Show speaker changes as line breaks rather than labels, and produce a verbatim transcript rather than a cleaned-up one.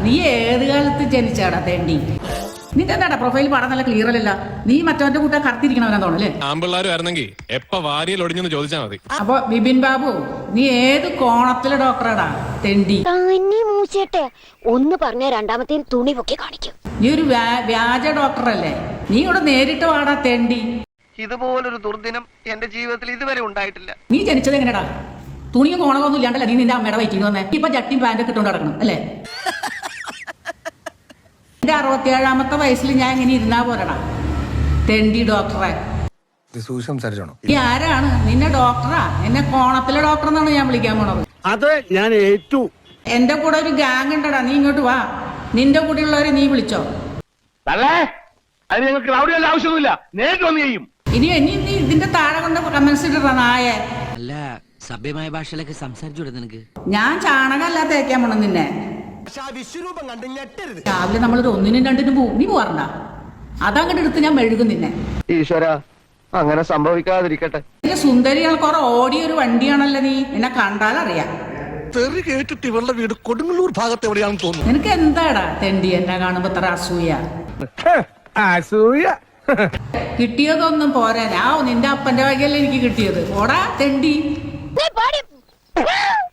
നീ ഏത് കാലത്ത് ജനിച്ചാടാ തേണ്ടി? നിന്റെ എന്താടാ പ്രൊഫൈൽ പാടാൻ നല്ല ക്ലിയർ അല്ലല്ല. നീ മറ്റവന്റെ കൂട്ട കറുത്തിരിക്കണവനാ തോന്നല്ലേ?
ആമ്പിള്ളാരുമായിരുന്നെങ്കിൽ എപ്പ വാരിയിൽ ഒടിഞ്ഞെന്ന് ചോദിച്ചാൽ മതി.
അപ്പൊ ബിബിൻ ബാബു, നീ ഏത് കോണത്തിലെ ഡോക്ടറാടാ തെണ്ടി?
മൂച്ചേട്ടെ ഒന്ന് പറഞ്ഞ രണ്ടാമത്തെ തുണി പൊക്കി കാണിക്കും.
നീ ഒരു വ്യാജ ഡോക്ടറല്ലേ? നീ ഇവിടെ നേരിട്ട് വാടാ തെണ്ടി.
ഇതുപോലൊരു ദുർദിനം എന്റെ ജീവിതത്തിൽ ഇതുവരെ ഉണ്ടായിട്ടില്ല.
നീ ജനിച്ചത് എങ്ങനെയാടാ? തുണിയും കോണമൊന്നും ഇല്ലാണ്ടല്ലേ നീ നിന്റെ അമ്മയുടെ വയറ്റിൽ വന്നേ? ഇപ്പൊ ജട്ടിയും പാൻറ്റൊക്കെ ഇട്ടുകൊണ്ട് നടക്കണം അല്ലേ? എന്റെ അറുപത്തിയേഴാമത്തെ വയസ്സിൽ ഞാൻ ഇങ്ങനെ ഇരുന്നാ പോരടാ തെണ്ടി ഡോക്ടറെ. ഈ ആരാണ് നിന്നെ ഡോക്ടറാ? എന്നെ കോണത്തിലെ ഡോക്ടർ എന്നാണ് ഞാൻ വിളിക്കാൻ പോണത്.
അത് ഞാൻ ഏറ്റു.
എന്റെ കൂടെ ഒരു ഗാങ് ഉണ്ടടാ, നീ ഇങ്ങോട്ട് വാ. നിന്റെ കൂടെ ഉള്ളവരെ നീ വിളിച്ചോ.
ആവശ്യമൊന്നുമില്ല, നേരിട്ട് വന്നു ചെയ്യും.
ഇനി ഇനി നീ ഇതിന്റെ താഴെ കൊണ്ട് കമന്റ്സ് ഇടടാ നായെ.
അല്ല, സഭ്യമായ ഭാഷയിലൊക്കെ സംസാരിച്ചു നിനക്ക്.
ഞാൻ ചാണകല്ല തേക്കാൻ പോണം നിന്നെ. രാവിലെ നമ്മളൊരു ഒന്നിനും രണ്ടിനും പോവും, നീ പോവാറണ്ട. അതങ്ങോട്ട് എടുത്ത് ഞാൻ മെഴുകും നിന്നെ.
ഈശ്വര, അങ്ങനെ സംഭവിക്കാതിരിക്കട്ടെ.
സുന്ദരികൾ കുറെ ഓടിയൊരു വണ്ടിയാണല്ലോ നീ. എന്നെ കണ്ടാലറിയാം.
തെറി കേട്ടിട്ട് ഇവളുടെ വീട് കൊടുങ്ങല്ലൂർ ഭാഗത്ത് എവിടെയാണെന്ന് തോന്നുന്നു.
നിനക്ക് എന്താടാ തെണ്ടി എന്നെ കാണുമ്പോ ഇത്ര അസൂയ?
അസൂയ
കിട്ടിയതൊന്നും പോരാ. ആ നിന്റെ അപ്പന്റെ വകയല്ലേ എനിക്ക് കിട്ടിയത്. ഓടാ തെണ്ടി.